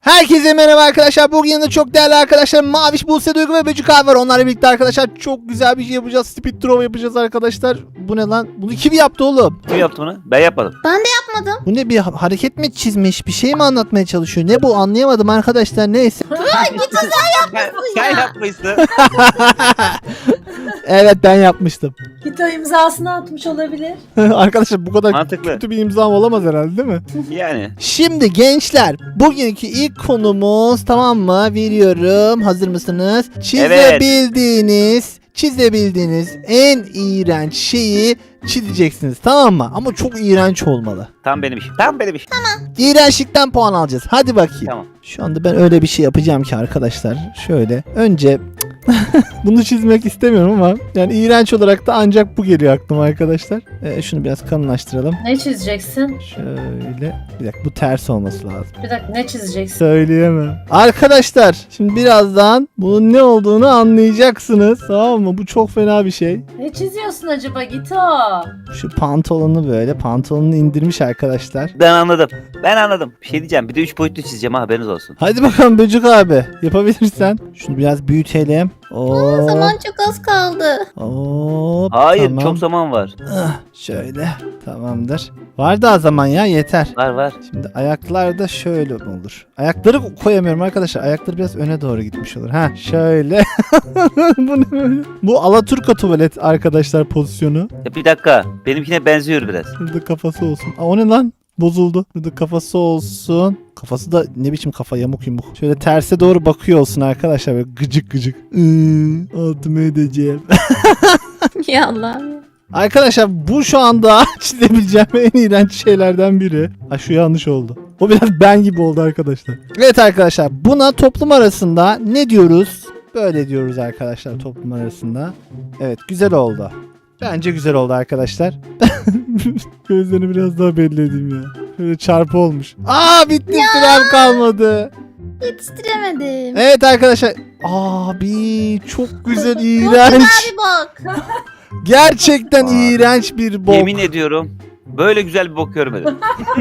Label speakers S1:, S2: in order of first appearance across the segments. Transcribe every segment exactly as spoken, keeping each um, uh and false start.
S1: Herkese merhaba arkadaşlar. Bugün yanında çok değerli arkadaşlarım Maviş, Buse, Duygu ve Böcük abi var. Onlarla birlikte arkadaşlar çok güzel bir şey yapacağız. Speed Draw yapacağız arkadaşlar. Bu ne lan? Bunu kim yaptı oğlum?
S2: Kim yaptı bunu? Ben yapmadım.
S3: Ben de yapmadım.
S1: Bu ne, bir ha- hareket mi çizmiş? Bir şey mi anlatmaya çalışıyor? Ne bu, anlayamadım arkadaşlar. Neyse.
S2: Sen, sen yapmışsın.
S1: Evet, ben yapmıştım.
S4: Gito imzasını atmış olabilir.
S1: Arkadaşlar bu kadar
S2: Mantıklı.
S1: kötü bir imzam olamaz herhalde, değil mi?
S2: Yani.
S1: Şimdi gençler, bugünkü ilk konumuz, tamam mı? Veriyorum. Hazır mısınız? Çizebildiğiniz, çizebildiğiniz en iğrenç şeyi çizeceksiniz, tamam mı? Ama çok iğrenç olmalı.
S2: Tam benim işim. Tam benim işim.
S1: İğrençlikten puan alacağız. Hadi bakayım.
S2: Tamam.
S1: Şu anda ben öyle bir şey yapacağım ki arkadaşlar. Şöyle önce bunu çizmek istemiyorum ama yani iğrenç olarak da ancak bu geliyor aklıma arkadaşlar. Ee, şunu biraz kalınlaştıralım.
S4: Ne çizeceksin?
S1: Şöyle. Bir dakika, bu ters olması lazım.
S4: Bir dakika, ne çizeceksin?
S1: Söyleyemem. Arkadaşlar şimdi birazdan bunun ne olduğunu anlayacaksınız. Tamam mı? Bu çok fena bir şey.
S4: Ne çiziyorsun acaba Gito?
S1: Şu pantolonu böyle. Pantolonunu indirmiş arkadaşlar.
S2: Ben anladım. Ben anladım. Bir şey diyeceğim. Bir de üç boyutlu çizeceğim ha, haberiniz olsun.
S1: Hadi bakalım Böcük abi. Yapabilirsen. Şunu biraz büyütelim. Oo.
S3: Zaman çok az kaldı.
S1: Hop,
S2: Hayır,
S1: tamam.
S2: çok zaman var.
S1: Ah, şöyle. Tamamdır. Var daha zaman ya, yeter.
S2: Var var.
S1: Şimdi ayaklar da şöyle olur. Ayakları koyamıyorum arkadaşlar. Ayakları biraz öne doğru gitmiş olur. Ha şöyle. Bu ne böyle? Bu Alaturka tuvalet arkadaşlar pozisyonu.
S2: Ya bir dakika. Benimkine benziyor biraz.
S1: Burada kafası olsun. Aa, o ne lan? Bozuldu. Burada kafası olsun. Kafası da ne biçim kafa, yamuk yumuk. Şöyle terse doğru bakıyor olsun arkadaşlar. Böyle gıcık gıcık. Iıı, altıma edeceğim.
S3: Ya Allah'ım.
S1: Arkadaşlar bu şu anda çizebileceğim en iğrenç şeylerden biri. Ha, şu yanlış oldu. O biraz ben gibi oldu arkadaşlar. Evet arkadaşlar, buna toplum arasında ne diyoruz? Böyle diyoruz arkadaşlar, toplum arasında. Evet, güzel oldu. Bence güzel oldu arkadaşlar. Gözlerini biraz daha belli edeyim ya. Şöyle çarpı olmuş. Aa, bitti, sürem kalmadı.
S3: Yetiştiremedim.
S1: Evet arkadaşlar. Abi çok güzel,
S3: Bak
S1: iğrenç.
S3: abi bak.
S1: Gerçekten
S2: Aa.
S1: iğrenç bir bok.
S2: Yemin ediyorum. Böyle güzel bir bok görmedim.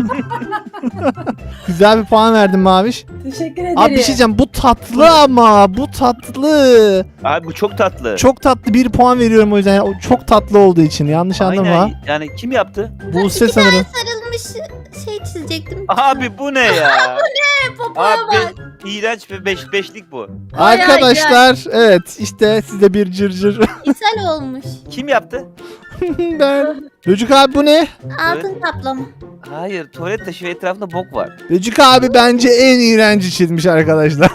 S1: Güzel bir puan verdim Maviş.
S4: Teşekkür ederim.
S1: Abi bir şey diyeceğim, bu tatlı ama bu tatlı.
S2: Abi bu çok tatlı.
S1: Çok tatlı, bir puan veriyorum o yüzden. O çok tatlı olduğu için, yanlış anlama.
S2: Aynen. Yani kim yaptı?
S1: Buse sanırım.
S3: Sarılmış şey çizecektim.
S2: Abi bu ne ya?
S3: Popoya
S2: Abi
S3: bak.
S2: iğrenç bir beş, beşlik bu.
S3: Ay, ay,
S1: Arkadaşlar evet, işte size bir cırcır.
S3: İshal olmuş.
S2: Kim yaptı?
S1: Ben. Böcük abi bu ne?
S3: Altın kaplama.
S2: Hayır, tuvalet taşı ve etrafında bok var.
S1: Böcük abi bence en iğrenci çizmiş arkadaşlar.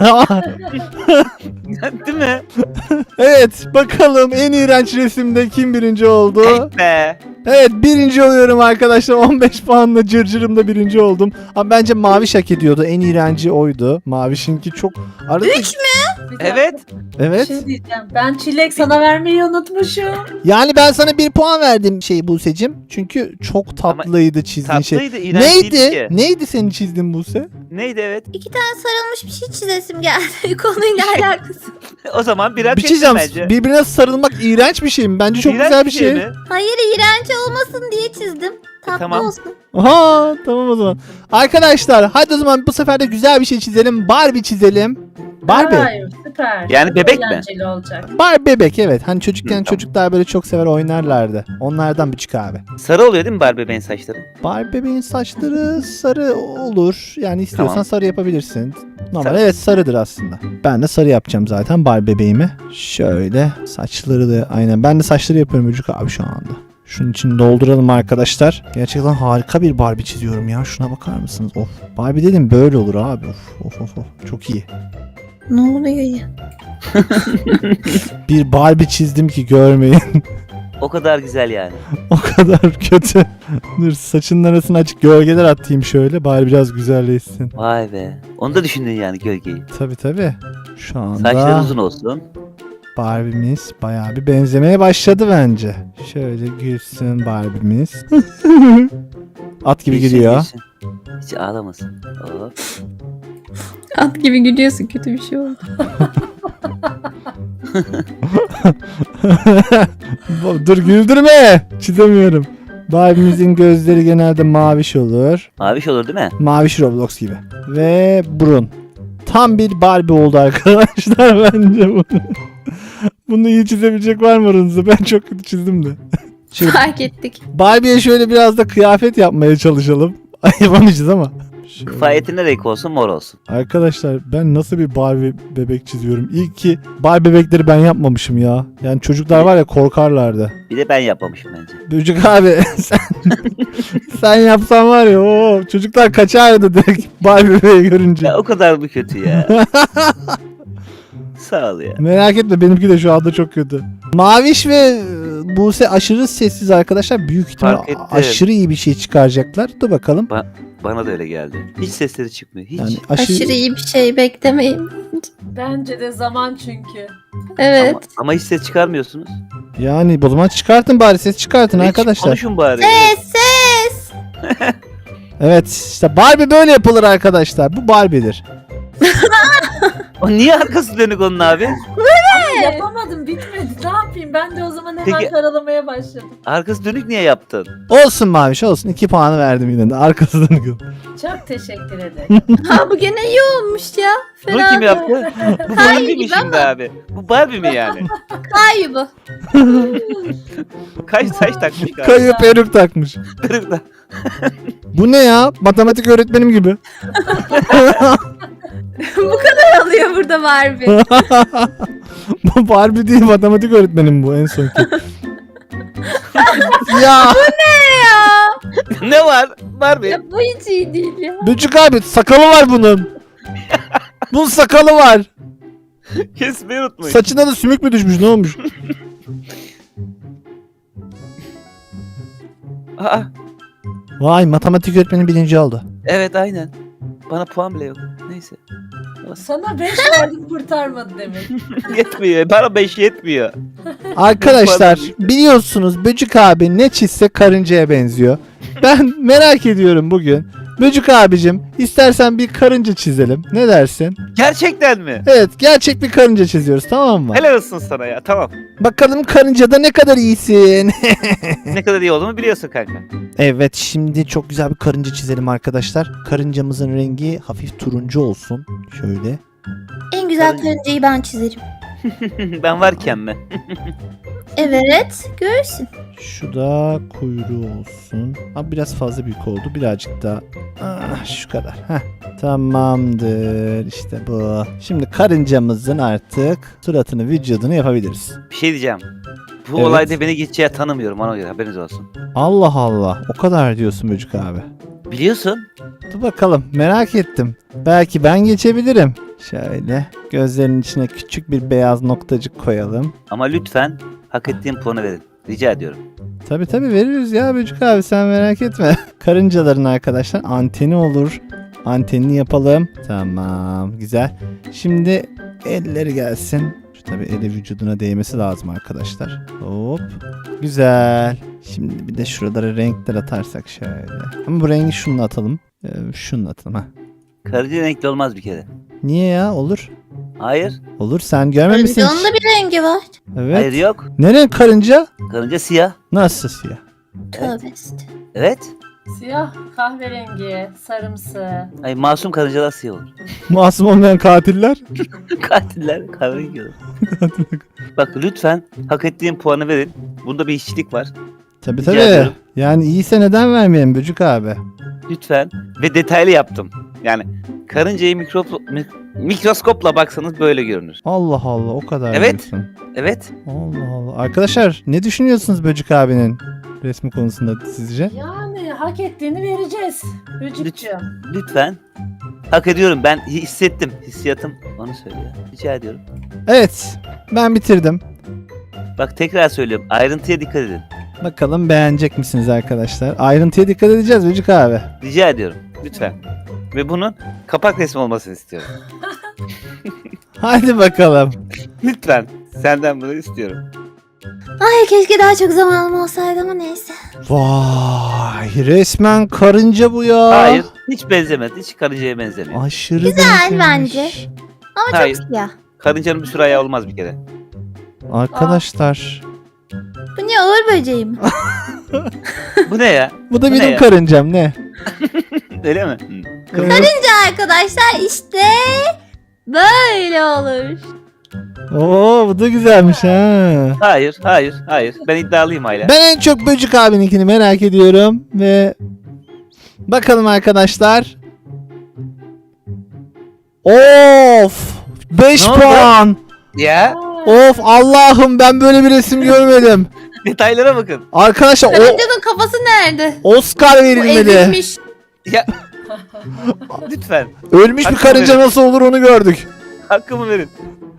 S2: Değil mi?
S1: Evet, bakalım en iğrenç resimde kim birinci oldu?
S2: Eh be.
S1: Evet, birinci oluyorum arkadaşlar. on beş puanla cırcırımda birinci oldum. Ama bence Maviş hak ediyordu. En iğrenci oydu. Maviş'inki çok... Arada...
S3: Üç mü?
S4: Bir dakika,
S2: Evet.
S4: Bir
S1: Evet.
S4: şey diyeceğim. Ben çilek sana vermeyi unutmuşum.
S1: Yani ben sana bir puan verdim şey Buse'cim. Çünkü çok tatlıydı çizdiğin şey.
S2: Tatlıydı, iğrenç değildi
S1: Neydi?
S2: ki.
S1: Neydi senin çizdiğin Buse?
S2: Neydi evet.
S3: İki tane sarılmış bir şey çizesim geldi. Konuyla alakası.
S2: O zaman birer
S1: Bir şey
S2: çektim
S1: diyeceğim.
S2: bence.
S1: Birbirine sarılmak iğrenç bir şey mi? Bence çok
S2: İğrenç
S1: güzel bir şey.
S2: mi?
S3: Hayır, iğrenç olmasın diye çizdim. Tatlı
S2: tamam.
S3: olsun.
S1: Aha, tamam o zaman. Arkadaşlar hadi o zaman bu sefer de güzel bir şey çizelim. Barbie çizelim. Barbie.
S4: Hayır, süper.
S2: Yani
S4: Çok
S2: bebek mi?
S4: eğlenceli olacak.
S1: Barbie bebek, evet. Hani çocukken
S2: Hı, tamam.
S1: çocuklar böyle çok sever oynarlardı. Onlardan Böcük abi.
S2: Sarı oluyor değil mi Barbie bebeğin saçları?
S1: Barbie bebeğin saçları sarı olur. Yani istiyorsan
S2: Tamam.
S1: sarı yapabilirsin. Normal,
S2: Tamam.
S1: evet, sarıdır aslında. Ben de sarı yapacağım zaten Barbie bebeğimi. Şöyle saçları da aynen. Ben de saçları yapıyorum Böcük abi şu anda. Şunun için dolduralım arkadaşlar. Gerçekten harika bir Barbie çiziyorum ya. Şuna bakar mısınız? Of. Barbie dedim böyle olur abi. Of of of. of. Çok iyi.
S3: Ne oluyor ya?
S1: Bir Barbie çizdim ki görmeyin.
S2: O kadar güzel yani.
S1: O kadar kötü. Dur, saçının arasına açık gölgeler atayım şöyle. Bari biraz güzelleşsin.
S2: Vay be. Onu da düşündün yani, gölgeyi.
S1: Tabi tabi. Şu anda
S2: Saçların uzun olsun.
S1: Barbie'miz bayağı bir benzemeye başladı bence. Şöyle gülsün Barbie'miz. At gibi
S2: Gülsün,
S1: gülüyor.
S2: gülsün. Hiç ağlamasın. Hop.
S3: At gibi gülüyorsun, kötü bir şey oldu.
S1: Dur güldürme. Çizemiyorum. Barbie'mizin gözleri genelde maviş olur.
S2: Maviş olur değil mi?
S1: Maviş Roblox gibi. Ve burun. Tam bir Barbie oldu arkadaşlar bence bunu. Bunu iyi çizebilecek var mı aranızda? Ben çok kötü çizdim de. Şimdi
S3: Fark ettik.
S1: Barbie'ye şöyle biraz da kıyafet yapmaya çalışalım. Ay, yapamayacağız ama. Şöyle.
S2: Kifayetin ne renk olsun? Mor olsun.
S1: Arkadaşlar ben nasıl bir Barbie bebek çiziyorum? İyi ki Barbie bebekleri ben yapmamışım ya. Yani çocuklar var ya korkarlardı.
S2: Bir de ben yapmamışım bence.
S1: Böcek abi sen, sen yapsan var ya o çocuklar kaçardı direkt Barbie bebeği görünce.
S2: Ya o kadar mı kötü ya? Sağ ol ya.
S1: Merak etme benimki de şu anda çok kötü. Maviş ve e, Buse aşırı sessiz arkadaşlar. Büyük ihtimal
S2: Fark ettim.
S1: aşırı iyi bir şey çıkaracaklar. Dur bakalım.
S2: Bana da öyle geldi. Hiç sesleri çıkmıyor. Hiç.
S1: Yani
S3: Aşırı,
S1: aşırı,
S3: iyi bir şey beklemeyin.
S4: Bence de zaman çünkü.
S3: Evet.
S2: Ama, ama hiç ses çıkarmıyorsunuz.
S1: yani o zaman çıkartın bari ses çıkartın
S2: Hiç
S1: arkadaşlar.
S2: Konuşun bari.
S3: Ses ses.
S1: Evet işte Barbie böyle yapılır arkadaşlar. Bu Barbie'dir.
S2: O niye arkası dönük onun abi?
S4: Ama yapamadım bitmedi. Ne yapayım? Ben de o zaman hemen
S2: Peki-
S4: karalamaya başladım.
S2: Arkası dönük niye yaptın?
S1: Olsun Maviş olsun. iki puanı verdim yine de. Arkasından gül.
S4: Çok teşekkür ederim.
S3: Ha bu gene iyi olmuş ya.
S2: Bunu
S3: Fena
S2: kim
S3: değil.
S2: yaptı? Bu Barbie mi şimdi abi? Bu Barbie mi yani?
S3: Hayır bu.
S2: Kaç saç takmış galiba?
S1: Kayıp peruk takmış.
S2: Kırıkla.
S1: Bu ne ya? Matematik öğretmenim gibi.
S3: Bu kadar alıyor burada Barbie.
S1: Bu Barbie değil matematik öğretmenim bu en sonki. ya
S3: ya.
S2: Ne var? Barbie.
S3: Ya bu hiç iyi değil ya.
S1: Böcük abi sakalı var bunun. Bunun sakalı var.
S2: Kesmeyi unutmayın.
S1: Saçına da sümük mü düşmüş ne olmuş?
S2: Aa,
S1: Vay matematik öğretmenim birinci oldu.
S2: evet aynen. Bana puan bile yok. Neyse.
S4: Sana beş verdim kurtarmadı demek.
S2: Yetmiyor. Bana beş yetmiyor.
S1: Arkadaşlar biliyorsunuz Böcük abi ne çizse karıncaya benziyor. Ben merak ediyorum bugün. Böcük abicim istersen bir karınca çizelim. Ne dersin?
S2: Gerçekten mi?
S1: Evet gerçek bir karınca çiziyoruz tamam mı?
S2: Helal olsun sana ya. Tamam.
S1: Bakalım karıncada ne kadar iyisin.
S2: Ne kadar iyi olduğumu biliyorsun kanka.
S1: Evet şimdi çok güzel bir karınca çizelim arkadaşlar. Karıncamızın rengi hafif turuncu olsun. Şöyle.
S3: En güzel
S2: Karınca.
S3: karıncayı ben çizerim.
S2: Ben varken mi?
S3: Evet. Görsün.
S1: Şu da kuyruğu olsun. Ama biraz fazla büyük oldu. Birazcık daha. Ah, şu kadar. Heh. Tamamdır. İşte bu. Şimdi karıncamızın artık suratını, vücudunu yapabiliriz.
S2: Bir şey diyeceğim. Bu
S1: Evet.
S2: olayda beni geçeceği tanımıyorum ona göre haberiniz olsun.
S1: Allah Allah. O kadar diyorsun Böcük abi.
S2: Biliyorsun.
S1: Dur bakalım. Merak ettim. Belki ben geçebilirim. Şöyle. Gözlerinin içine küçük bir beyaz noktacık koyalım.
S2: Ama lütfen hak ettiğim puanı verin. Rica ediyorum.
S1: Tabi tabi veririz ya Böcük abi sen merak etme. Karıncaların arkadaşlar anteni olur. Antenini yapalım. Tamam güzel. Şimdi elleri gelsin. Şu tabi eli vücuduna değmesi lazım arkadaşlar. Hop. Güzel. Şimdi bir de şuralara renkler atarsak şöyle. Ama bu rengi şununla atalım. Ee, şununla atalım ha.
S2: Karınca renkli olmaz bir kere.
S1: Niye ya olur.
S2: Hayır.
S1: Olur sen görmemişsin.
S3: Karıncanın
S1: hiç.
S3: da bir rengi var.
S1: Evet.
S2: Hayır yok.
S1: Ne renk karınca?
S2: Karınca siyah.
S1: Nasıl siyah?
S3: Tövbe işte.
S2: Evet.
S4: Siyah, kahverengi, sarımsı.
S2: Ay masum karıncalar siyah olur.
S1: Masum olmayan katiller.
S2: Katiller kahverengi olur. Bak lütfen hak ettiğim puanı verin. Bunda bir işçilik var.
S1: Tabii
S2: Rica
S1: tabii.
S2: ediyorum.
S1: Yani iyiyse neden vermeyelim Böcük abi?
S2: Lütfen. Ve detaylı yaptım. Yani karıncayı mikrop, mik- mikroskopla baksanız böyle görünür.
S1: Allah Allah o kadar
S2: Evet.
S1: diyorsun.
S2: Evet.
S1: Allah Allah. Arkadaşlar ne düşünüyorsunuz Böcük abinin resmi konusunda sizce?
S4: Yani hak ettiğini vereceğiz. Böcükçüğüm.
S2: Lütfen. Hak ediyorum. Ben hissettim. Hissiyatım onu söylüyor. Rica ediyorum.
S1: Evet. Ben bitirdim.
S2: Bak tekrar söylüyorum. Ayrıntıya dikkat edin.
S1: Bakalım beğenecek misiniz arkadaşlar? Ayrıntıya dikkat edeceğiz Böcük abi.
S2: Rica ediyorum. Lütfen. Ve bunun kapak resmi olmasını istiyorum.
S1: Hadi bakalım.
S2: Lütfen. Senden bunu istiyorum.
S3: Ay keşke daha çok zamanım olsaydı ama neyse.
S1: Vay resmen karınca bu ya.
S2: Hayır. Hiç benzemez. Hiç karıncaya benzemiyor.
S1: Aşırı
S3: Güzel
S1: benzemiş.
S3: bence. Ama
S2: Hayır.
S3: çok siyah.
S2: Karıncanın bir sürü ayağı olmaz bir kere.
S1: Arkadaşlar.
S3: Bu ne uğur böceği mi?
S2: Bu ne ya?
S1: Bu da
S2: Bu ne
S1: benim
S2: ya?
S1: karıncam ne?
S2: Öyle mi? Hı.
S1: Evet.
S3: Arkadaşlar işte Böyle olur.
S1: Oo bu da güzelmiş ha.
S2: Hayır, hayır, hayır. Ben iddialıyım hala.
S1: Ben en çok Böcük abininkini merak ediyorum ve bakalım arkadaşlar. Of! beş
S2: Ne oldu?
S1: puan.
S2: Ya,
S1: Of Allah'ım ben böyle bir resim görmedim.
S2: detaylara bakın.
S1: Arkadaşlar o
S3: Karıncanın kafası nerede?
S1: Oscar
S3: Bu
S1: verilmeli.
S3: ezilmiş.
S2: Ya, lütfen.
S1: Ölmüş bir
S2: Hakkını
S1: karınca
S2: verin.
S1: nasıl olur onu gördük.
S2: Hakkımı verin.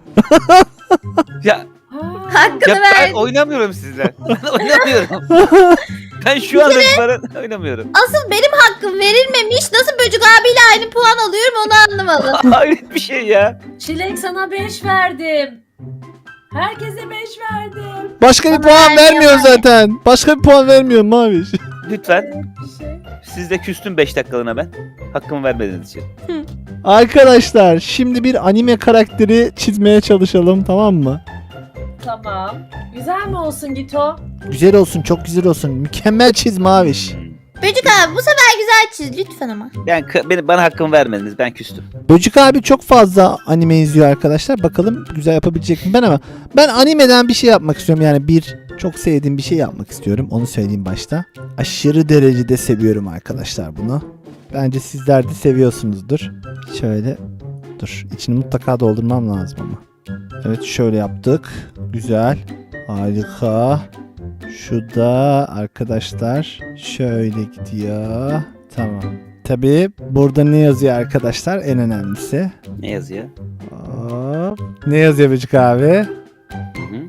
S2: ya,
S3: Hakkını
S2: ya
S3: ver.
S2: ben oynamıyorum sizle. Ben oynamıyorum. ben şu anda itibaren oynamıyorum.
S3: Asıl benim hakkım verilmemiş. Nasıl Böcük abiyle aynı puan alıyorum onu anlamadım.
S2: Hayret bir şey ya.
S4: Çilek sana beş verdim. Herkese beş verdim.
S1: Başka bir
S3: Bana
S1: puan
S3: vermiyor
S1: vermiyor
S3: yani.
S1: zaten. Başka bir puan vermiyor Maviş.
S2: Lütfen.
S4: Bir şey.
S2: Siz de küstüm beş dakikalığına ben. Hakkımı vermediğiniz için.
S1: Arkadaşlar şimdi bir anime karakteri çizmeye çalışalım tamam mı?
S4: Tamam. Güzel mi olsun Gito?
S1: Güzel olsun çok güzel olsun. Mükemmel çiz Maviş.
S3: Böcük abi bu sefer güzel çiz lütfen ama.
S2: Ben, beni, bana hakkımı vermediniz. Ben küstüm.
S1: Böcük abi çok fazla anime izliyor arkadaşlar. Bakalım güzel yapabilecek mi ben ama ben animeden bir şey yapmak istiyorum. Yani bir çok sevdiğim bir şey yapmak istiyorum. Onu söyleyeyim başta. Aşırı derecede seviyorum arkadaşlar bunu. Bence sizler de seviyorsunuzdur. Şöyle dur içini mutlaka doldurmam lazım ama. Evet şöyle yaptık. Güzel. Harika. Şu da arkadaşlar şöyle gidiyor. Tamam. Tabii burada ne yazıyor arkadaşlar en önemlisi.
S2: Ne yazıyor?
S1: Hop. Ne yazıyor Böcük abi?
S2: Hı hı.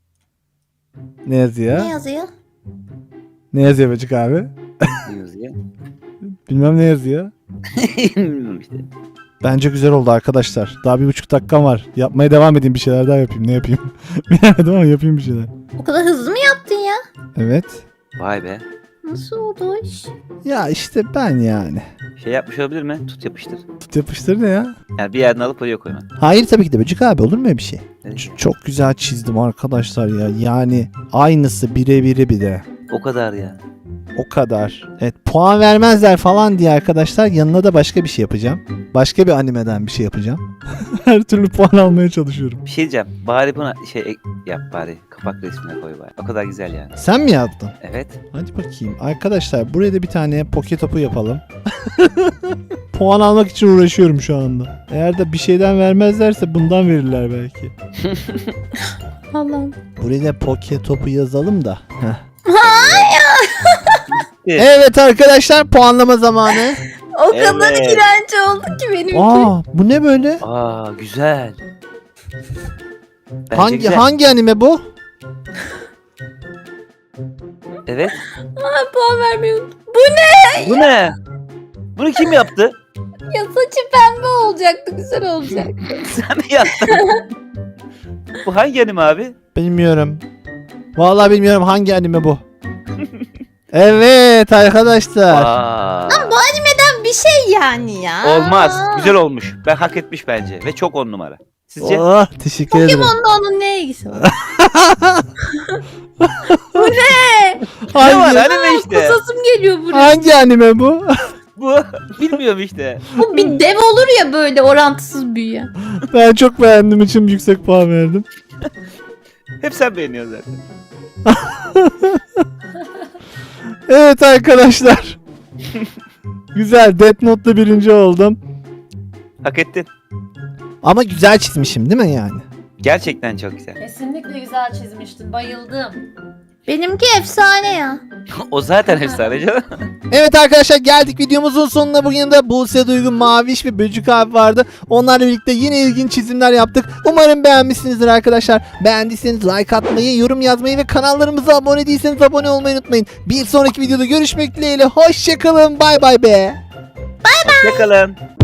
S1: Ne yazıyor?
S3: Ne yazıyor?
S1: Ne yazıyor Böcük abi?
S2: Ne yazıyor?
S1: Bilmem ne yazıyor.
S2: Bilmiyorum işte.
S1: Bence güzel oldu arkadaşlar. Daha bir buçuk dakikam var. Yapmaya devam edeyim bir şeyler daha yapayım. Ne yapayım? Bilemedim ama yapayım bir şeyler.
S3: O kadar hızlı mı yaptın ya?
S1: Evet.
S2: Vay be.
S3: Nasıl oldu o iş?
S1: Ya işte ben yani.
S2: Şey yapmış olabilir mi? Tut yapıştır.
S1: Tut yapıştır ne ya?
S2: Yani bir yerden alıp oraya koyma.
S1: Hayır tabii ki de Böcük abi olur mu öyle bir şey?
S2: Evet.
S1: Ç- çok güzel çizdim arkadaşlar ya. Yani aynısı birebiri bir de.
S2: O kadar ya.
S1: O kadar. Evet puan vermezler falan diye arkadaşlar yanına da başka bir şey yapacağım. Başka bir animeden bir şey yapacağım. Her türlü puan almaya çalışıyorum.
S2: Bir şey diyeceğim. Bari buna şey ek- yap bari. Kapak resmine koy bari. O kadar güzel yani.
S1: Sen mi yaptın?
S2: Evet.
S1: Hadi bakayım. Arkadaşlar buraya da bir tane poke topu yapalım. Puan almak için uğraşıyorum şu anda. Eğer de bir şeyden vermezlerse bundan verirler belki.
S3: Allah'ım.
S1: Buraya da poke topu yazalım da. Heh.
S2: Evet.
S1: Evet arkadaşlar puanlama zamanı.
S3: O kadar
S2: Evet.
S3: iğrenç oldu ki benimki.
S1: Aa bu ne böyle?
S2: Aa güzel. Bence
S1: hangi
S2: güzel.
S1: hangi anime bu?
S2: Evet.
S3: Aa, puan vermiyorum.
S2: Bu ne? Bunu kim yaptı?
S3: Ya saçı pembe olacaktı güzel olacak.
S2: Sen mi yaptın? Bu hangi anime abi?
S1: Bilmiyorum. Vallahi bilmiyorum hangi anime bu. Evet arkadaşlar.
S2: Aa,
S3: Neden bir şey yani ya.
S2: olmaz. Güzel olmuş. Ben hak etmiş bence. Ve çok on numara. Sizce?
S1: Oh, teşekkür ederim.
S3: Pokemon'la onun ne ilgisi var?
S2: Ne var
S1: Hangi,
S2: anime işte.
S3: Kusasım geliyor buraya.
S1: hangi anime bu?
S2: Bu. Bilmiyorum işte.
S3: Bu bir dev olur ya böyle orantısız büyüyen.
S1: Ben çok beğendiğim için yüksek puan verdim.
S2: Hep sen beğeniyorsun zaten.
S1: Evet arkadaşlar. Güzel. Death Note'da birinci oldum.
S2: Hak ettin.
S1: Ama güzel çizmişim değil mi yani?
S2: Gerçekten çok güzel.
S4: Kesinlikle güzel çizmiştin. Bayıldım.
S3: Benimki efsane ya.
S2: O zaten efsane canım.
S1: Evet arkadaşlar geldik videomuzun sonuna. Bugün de Buse Duygu, Maviş ve Böcük abi vardı. Onlarla birlikte yine ilginç çizimler yaptık. Umarım beğenmişsinizdir arkadaşlar. Beğendiyseniz like atmayı, yorum yazmayı ve kanallarımıza abone değilseniz abone olmayı unutmayın. Bir sonraki videoda görüşmek dileğiyle. Hoşçakalın. Bay bay be.
S2: Hoşçakalın.